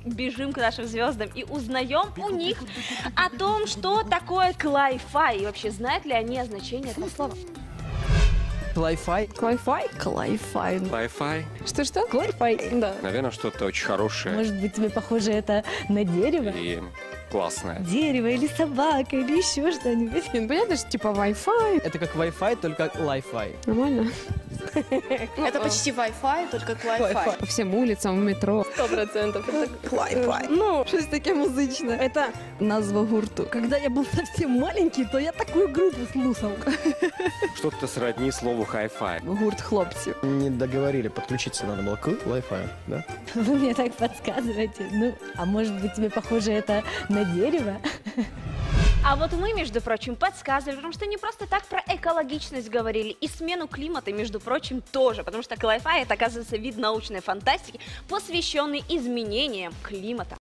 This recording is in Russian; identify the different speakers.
Speaker 1: бежим к нашим звездам и узнаем у них о том, что такое клай-фай. И вообще, знают ли они о значении этого слова?
Speaker 2: Клай-фай?
Speaker 3: Клай-фай? Клай-фай.
Speaker 4: Wi-Fi.
Speaker 3: Что-что? Клай-фай, да.
Speaker 4: Наверное, что-то очень хорошее
Speaker 5: Может быть, тебе похоже это на дерево?
Speaker 4: и классное.
Speaker 5: Дерево или собака, или еще что-нибудь.
Speaker 3: Ну, понятно, что типа Wi-Fi.
Speaker 2: Это как Wi-Fi, только лай-фай.
Speaker 3: Нормально.
Speaker 6: Это почти Wi-Fi, только Wi-Fi.
Speaker 3: По всем улицам, в метро.
Speaker 6: 100%.
Speaker 5: Клай-фай.
Speaker 3: Ну, щось таке музичне.
Speaker 5: Это назва гурту. Когда я был совсем маленький, то я такую группу слушал.
Speaker 4: Что-то сродни слову hi-fi.
Speaker 3: Гурт хлопців.
Speaker 7: Не договорили, подключиться надо было к Wi-Fi, да?
Speaker 5: Вы мне так подсказываете. Ну, а может быть, тебе похоже это на дерево?
Speaker 1: А вот мы, между прочим, подсказывали, потому что не просто так про экологичность говорили, и смену климата, между прочим, тоже, потому что клай-фай — это, оказывается, вид научной фантастики, посвященный изменениям климата.